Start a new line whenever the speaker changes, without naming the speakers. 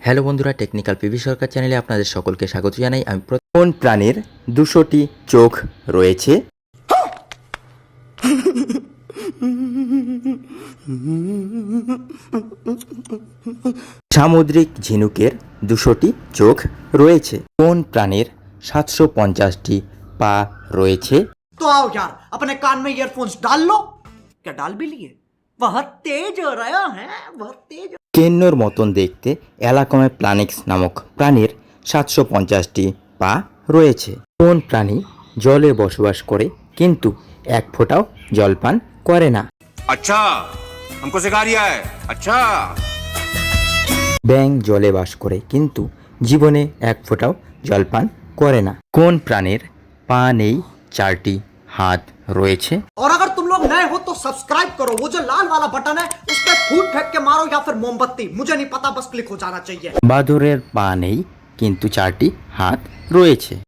Hello বন্ধুরা, technical PV সরকার চ্যানেলে আপনাদের সকলকে স্বাগত জানাই। আমি কোন প্রাণীর 200টি চোখ রয়েছে? সামুদ্রিক ঝিনুকের 200টি চোখ রয়েছে। কোন প্রাণীর 750টি পা রয়েছে?
तो आओ यार, अपने कान में ईयरफोन्स डाल लो। क्या डाल भी लिए? बहुत तेज हो रहा है, बहुत तेज।
কেন্নর মতন দেখতে অ্যালাকমে প্লানিক্স নামক প্রাণীর 750টি পা রয়েছে। কোন প্রাণী জলে বসবাস করে কিন্তু এক ফোঁটাও জল পান করে না?
अच्छा हमको सिखा रिया है। अच्छा
ব্যাঙ জলে বাস করে কিন্তু জীবনে এক ফোঁটাও জল পান করে না। কোন প্রাণীর পা নেই, 4টি হাত রয়েছে?
और अगर तुम लोग नए हो तो सब्सक्राइब करो, वो जो लाल वाला बटन है उस पर फूट फेंक के मारो या फिर मोमबत्ती, मुझे नहीं पता, बस क्लिक हो जाना चाहिए।
বাদুড়ের পা নেই কিন্তু 4টি হাত রয়েছে।